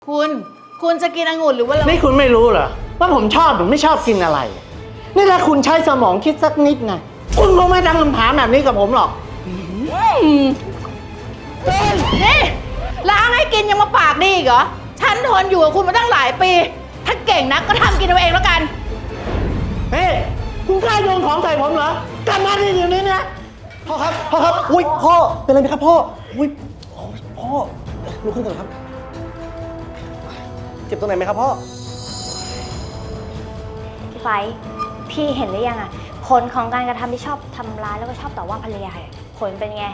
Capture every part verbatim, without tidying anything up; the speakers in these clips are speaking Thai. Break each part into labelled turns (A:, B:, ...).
A: คุณคุณจะกินองุ่นหรือว่าเรา
B: นี่คุณไม่รู้เหรอว่าผมชอบหรือไม่ชอบกินอะไรนี่ถ้าคุณใช้สมองคิดสักนิดนะคุณคงไม่ตั้งคำถามแบบนี้กับผมหรอก
A: นี่ล้างให้กินยังมาปากดีอีกเหรอฉันทนอยู่กับคุณมาตั้งหลายปีถ้าเก่งนักก็ทำกินเอาเองแล้วกัน
B: เฮ้คุณกล้าโยนของใส่ผมเหรอกลับมาที่เดี๋ยวนี้นะพ่อครับพ่อครับอุ้ยพ่อเป็นอะไรไหมครับพ่ออุ้ยพ่อลุกขึ้นก่อนครับเจ็บตรงไหนไหมครับพ่อ
C: พี่ไฟพี่เห็นหรือยังอะผลของการกระทำที่ชอบทำร้ายแล้วก็ชอบต่อว่าภรรยาผลเป็นไง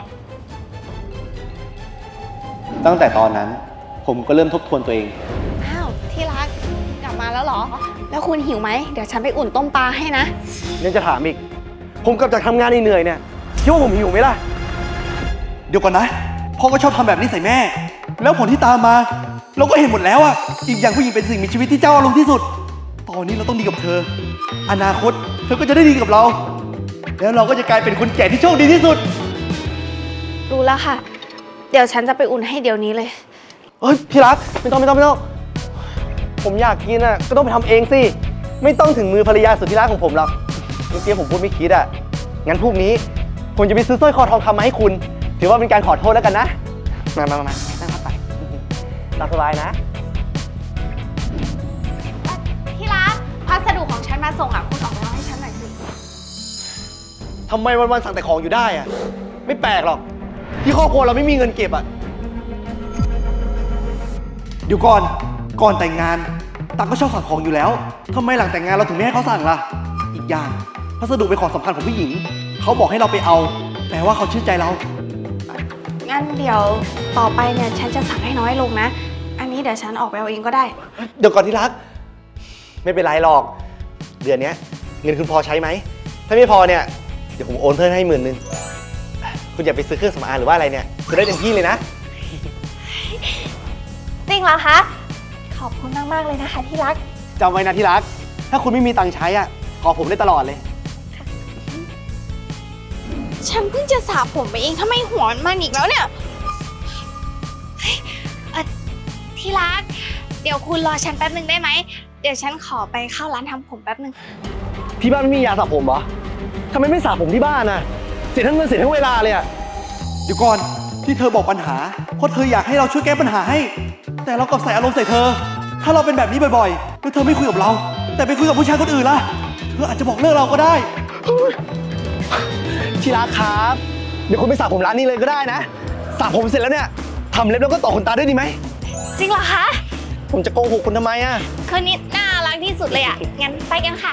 D: ตั้งแต่ตอนนั้นผมก็เริ่มทบทวนตัวเอง
E: อ้าวที่รักกลับมาแล้วเหรอ แล้วคุณหิวไหมเดี๋ยวฉันไปอุ่นต้มปลาให้นะ
D: ยังจะถามอีก ผมกลับจากทำงานเหนื่อยเนี่ยคิดว่าผมหิวไหมล่ะ เดี๋ยวก่อนนะ พ่อก็ชอบทำแบบนี้ใส่แม่ แล้วผลที่ตามมา เราก็เห็นหมดแล้วอะอีกอย่างผู้หญิงเป็นสิ่งมีชีวิตที่เจ้าอารมณ์ที่สุด ตอนนี้เราต้องดีกับเธอ อนาคตเธอก็จะได้ดีกับเรา แล้วเราก็จะกลายเป็นคนแก่ที่โชคดีที่สุด
E: รู้แล้วค่ะ เดี๋ยวฉันจะไปอุ่นให้เดี๋ยวนี้เลย
D: เฮ้ยพี่รักไม่ต้องไม่ต้องไม่ต้อง ผมอยากกินอะก็ต้องไปทำเองสิ ไม่ต้องถึงมือภรรยาสุดที่รักของผมหรอกเมื่อกี้ผมพูดไม่คิดอะงั้นพรุ่งนี้ผมจะไปซื้อสร้อยคอทองคำมาให้คุณ ถือว่าเป็นการขอโทษแล้วกันนะ มามามามานั่งเข้าไปตามสบายนะ
E: ที่รักพัสดุของฉันมาส่งอ่ะคุณออกไปเอาให้ฉันหน่อยสิ
D: ทำไมวันๆสั่งแต่ของอยู่ได้อะไม่แปลกหรอก ที่ครอบครัวเราไม่มีเงินเก็บอะเดี๋ยวก่อน ก่อนแต่งงาน ตั๊กก็ชอบสั่งของอยู่แล้วทำไมหลังแต่งงานเราถึงไม่ให้เขาสั่งล่ะ อีกอย่างพัสดุเป็นของสำคัญของผู้หญิง เขาบอกให้เราไปเอา แปลว่าเขาเชื่อใจเรา
E: งั้นเดี๋ยวต่อไปเนี่ยฉันจะสั่งให้น้อยลงนะ อันนี้เดี๋ยวฉันออกไปเอาเองก็ได้
D: เดี๋ยวก่อนที่รัก ไม่เป็นไรหรอก เดือนนี้เงินคุณพอใช้ไหม ถ้าไม่พอเนี่ย เดี๋ยวผมโอนเพิ่มให้หมื่นนึง คุณอย่าไปซื้อเครื่องสำอางหรือว่าอะไรเนี่ยจะได้เต็มที่เลยนะ
C: จริงเหรอคะ ขอบคุณมากๆเลยนะคะที่รัก
D: จำไว้นะที่รัก ถ้าคุณไม่มีตังค์ใช้อ่ะ ขอผมได้ตลอดเลย
E: ฉันเพิ่งจะสระผมไปเองทำไมหัวมันมันอีกแล้วเนี่ยเฮ้ยเอ่อที่รัก เดี๋ยวคุณรอฉันแป๊บนึงได้ไหม เดี๋ยวฉันขอไปเข้าร้านทำผมแป๊บนึง
D: ที่บ้านไม่มียาสระผมเหรอทำไมไม่สระผมที่บ้านน่ะ เสียทั้งเงินเสียทั้งเวลาเลยอ่ะ เดี๋ยวก่อน ที่เธอบอกปัญหา เพราะเธออยากให้เราช่วยแก้ปัญหาให้ แต่เรากลับใส่อารมณ์ใส่เธอ ถ้าเราเป็นแบบนี้บ่อยๆ แล้วเธอไม่คุยกับเรา แต่ไปคุยกับผู้ชายคนอื่นล่ะ เธออาจจะบอกเลิกเราก็ได้ ที่รักครับ เดี๋ยวคุณไปสระผมร้านนี้เลยก็ได้นะสระผมเสร็จแล้วเนี่ยทำเล็บแล้วก็ต่อขนตาด้วยดีไหม
E: จริงเหรอคะ
D: ผมจะโกหกคุณทำไมอ่ะ
E: คนนี้น่ารักที่สุดเลยอ่ะ งั้นไปกันค่ะ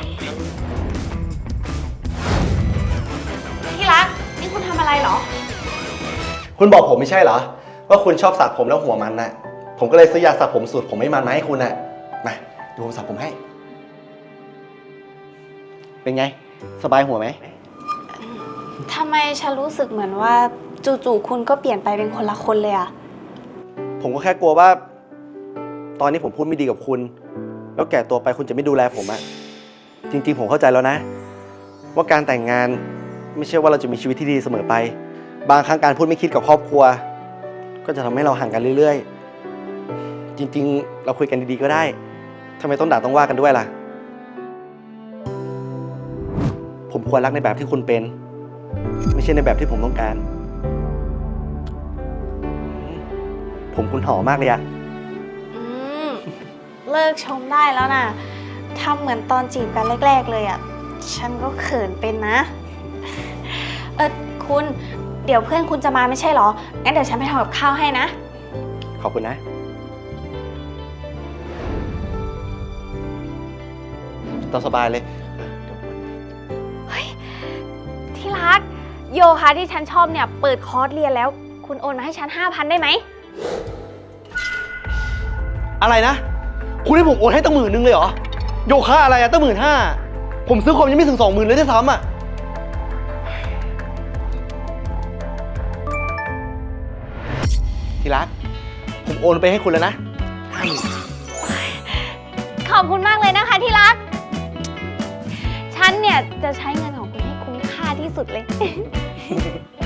E: ที่รัก นี่คุณทำอะไรเหรอ
D: คุณบอกผมไม่ใช่เหรอ ว่าคุณชอบสระผมแล้วหัวมันน่ะ ผมก็เลยซื้อยาสระผมสูตรผมไม่มันมาให้คุณน่ะมาดูผมสระผมให้ เป็นไง สบายหัวไหม
E: ทำไมฉันรู้สึกเหมือนว่าจู่ๆคุณก็เปลี่ยนไปเป็นคนละคนเลยอะ
D: ผมก็แค่กลัวว่า ตอนนี้ผมพูดไม่ดีกับคุณ แล้วแก่ตัวไปคุณจะไม่ดูแลผมอะจริงๆผมเข้าใจแล้วนะ ว่าการแต่งงานไม่ใช่ว่าเราจะมีชีวิตที่ดีเสมอไป บางครั้งการพูดไม่คิดกับครอบครัว ก็จะทำให้เราห่างกันเรื่อยๆ จริงๆ เราคุยกันดีๆก็ได้ทำไมต้องด่าต้องว่ากันด้วยล่ะ ผมควรรักในแบบที่คุณเป็น ไม่ใช่ในแบบที่ผมต้องการ ผมคุณหอมมากเลยอะ
E: อืม เลิกชมได้แล้วนะทำเหมือนตอนจีบกันแรกๆเลยอะฉันก็เขินเป็นนะ เออคุณ เดี๋ยวเพื่อนคุณจะมาไม่ใช่เหรอ งั้นเดี๋ยวฉันไปทำกับข้าวให้นะ
D: ขอบคุณนะ ตามสบายเลย
E: ที่รัก โยคะที่ฉันชอบเนี่ยเปิดคอร์สเรียนแล้ว คุณโอนมาให้ฉัน ห้าพัน ได้ไหม
D: อะไรนะ คุณให้ผมโอนให้ตั้งหมื่นนึงเลยเหรอ โยคะอะไรอะตั้งหมื่นห้า ผมซื้อคอมยังไม่ถึงสองหมื่นเลยด้วยซ้ำอะที่รัก ผมโอนไปให้คุณแล้วนะ
E: ขอบคุณมากเลยนะคะที่รัก ฉันเนี่ยจะใช้เงินของคุณให้คุ้มค่าที่สุดเลย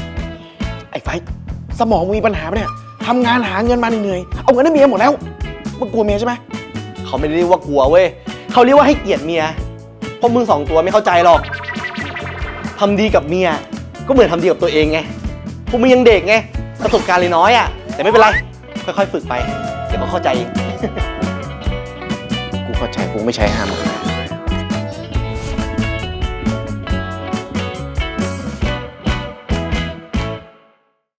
D: ไอ้ไฟ สมองมีปัญหาปะเนี่ยทำงานหาเงินมาเหนื่อยๆเอาเงินให้เมียหมดแล้ว
B: มึงกลัวเมียใช่ไหม
D: เขาไม่ได้เรียกว่ากลัวเว้ยเขาเรียกว่าให้เกียรติเมียเพราะมึงสองตัวไม่เข้าใจหรอกทำดีกับเมียก็เหมือนทำดีกับตัวเองไงพวกมึงยังเด็กไงประสบการณ์เลยน้อยอ่ะแต่ไม่เป็นไรค่อยๆฝึกไปเดี๋ยวก็เข้าใจเอง
B: กูเข้าใจกูไม่ใช่ห้าม